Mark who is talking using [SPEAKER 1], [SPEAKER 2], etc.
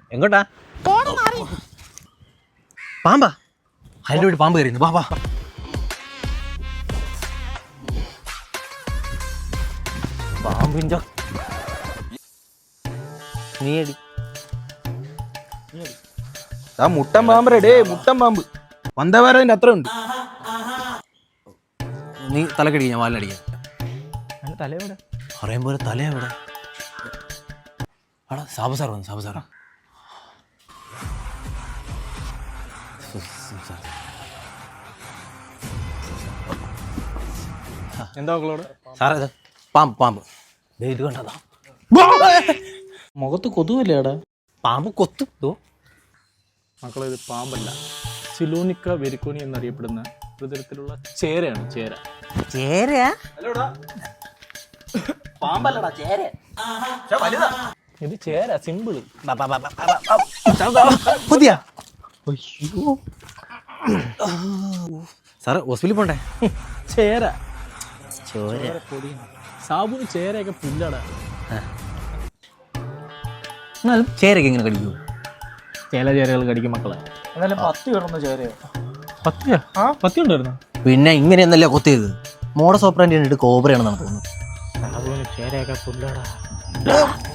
[SPEAKER 1] എങ്ങോട്ടാ? പാമ്പാ? അതിൻ്റെ വീട് പാമ്പ് കയറിയുന്നു. വാ വാ. പാമ്പിൻ്റെ നീയടി.
[SPEAKER 2] ആ മുട്ടൻ പാമ്പ് റെഡേ, മുട്ടൻ പാമ്പ് വന്തവാരതിന്റെ അത്ര ഉണ്ട്.
[SPEAKER 1] നീ തലക്കടിക്ക, ഞാൻ വാലിനടിക്കാം.
[SPEAKER 2] തലയോടെ
[SPEAKER 1] അറിയാൻ പോലെ തല എവിടെ? ആടാ സാബു സാർ വന്നു. സാബു സാറാ.
[SPEAKER 2] എന്താ മക്കളോട്?
[SPEAKER 1] സാറേ ഇത് പാമ്പ് പാമ്പ് ഇത് കണ്ടതാ.
[SPEAKER 2] മുഖത്ത് കൊതുവല്ലേടാ?
[SPEAKER 1] പാമ്പ് കൊത്തു.
[SPEAKER 2] മക്കളെ ഇത് പാമ്പല്ല, സിലോണിക്ക വെരിക്കോണി എന്നറിയപ്പെടുന്ന ഒരു തരത്തിലുള്ള ചേരയാണ്. ചേര.
[SPEAKER 1] ചേര? പാമ്പല്ലടാ, ചേര.
[SPEAKER 2] ഇത് ചേര, സിമ്പിള്.
[SPEAKER 1] പുതിയ സാറ് ഹോസ്പിറ്റലിൽ പോണ്ടേ?
[SPEAKER 2] ചേര.
[SPEAKER 1] ചോര.
[SPEAKER 2] സാബുന് ചേരയൊക്കെ പുല്ലടാ.
[SPEAKER 1] എന്നാലും ചേരൊക്കെ എങ്ങനെ കടിക്കൂ?
[SPEAKER 2] ചില ചേരകൾ കടിക്കും മക്കളെ. എന്നാലും പത്തി കിടന്ന ചേരയോ? പത്തിയാ? പത്തി ഉണ്ടായിരുന്നു.
[SPEAKER 1] പിന്നെ ഇങ്ങനെയൊന്നല്ല കൊത്തിയത്. മോഡസ് ഓപ്പറാൻഡി കണ്ടിട്ട് കോബ്രയാണെന്നാണ് തോന്നുന്നത്.
[SPEAKER 2] സാബുന് ചേരയൊക്കെ പുല്ലടാ.